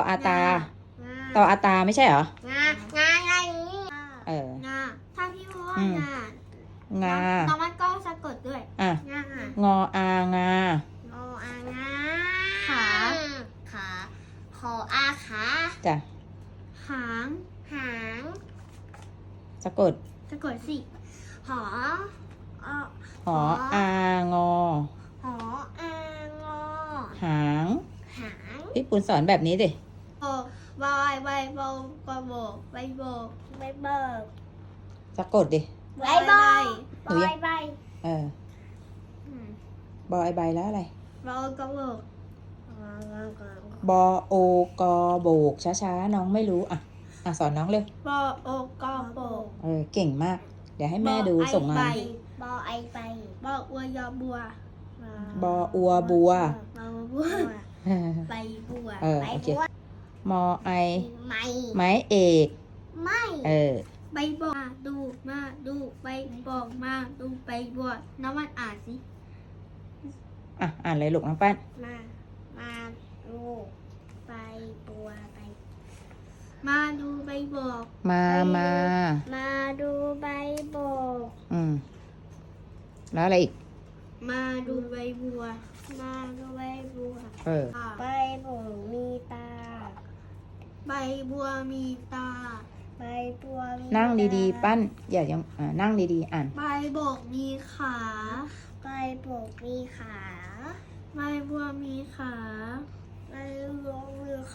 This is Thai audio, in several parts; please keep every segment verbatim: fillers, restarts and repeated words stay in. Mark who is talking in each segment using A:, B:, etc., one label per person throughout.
A: อาตา
B: งา
A: ตออาตาไม่ใช่เหรอ
B: งางาอะไรนี้
A: เออ
B: งาถ้าพี่พูดว่า
A: อืม
B: งาง
A: า
B: น้องมันก็สะกดด้วย
A: อ่ะ
B: งาง
A: ออางา
B: โออางาขาขาขออาขา
A: จ้ะ
B: หางหาง
A: สะกด
B: สะกดสิหออ
A: หออางอ
B: หออางอ
A: หาง
B: หาง
A: พี่ปุณสอนแบบนี้ดิ
B: โบบอยใบโบกโบกใบโบกใบเบิก
A: สะกดดิ
B: ใบใบ
A: หนูยัง
B: ใบ
A: เออ บอยใบแล้วอะไร
B: โบกโบก
A: บอโอกอโบกช้าๆน้องไม่รู้อ่ะอ่ะสอนน้องเร็ว
B: โบโอกโบก
A: เออเก่งมาก เดี๋ยวให้แม่ดูส่งงาน
B: บอไอใบออวยอบัว
A: บออัวบัว
B: บอบัวใบบัว
A: เออโอเค มอไอ
B: ไม่
A: ไม้เอก
B: ไม่
A: เออ
B: ใบบอกมาดูมาดูใบบอกมาดูใบบัวน้ำมันอ่านสิ
A: อ่ะอ่านเลยลูกน้องปั้น
B: มามาดูใบบัวใบมาดูใบบอก
A: มามา
B: มาดูใบบอก
A: อืมแล้วอะไรอีก
B: มาดูใบบัว มาดูใบบัว
A: เออ
B: ใบบัวมีตา ใบบัวมีตา ใบบัวมี
A: นั่งดีๆ ปั้น อย่ายังอ่านั่งดีๆ อ่าน
B: ใบโบกมีขา ใบโบกมีขา ใบบัวมีขา ใบบัวมีขา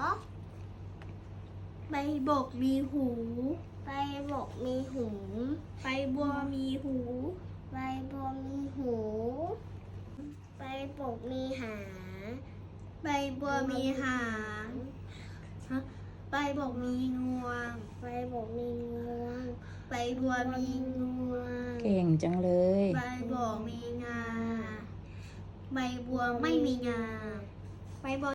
B: ใบโบกมีหู ใบโบกมีหู ใบบัวมีหู ใบบัวมีหู ใบโบกมีหาง ใบบัวมีหางฮะใบโบกมีงวง ใบโบกมีงวง ใบบัวมีงวง
A: เก่งจังเลย
B: ใบโบกมีงา ใบบัวไม่มีงา ใบบัว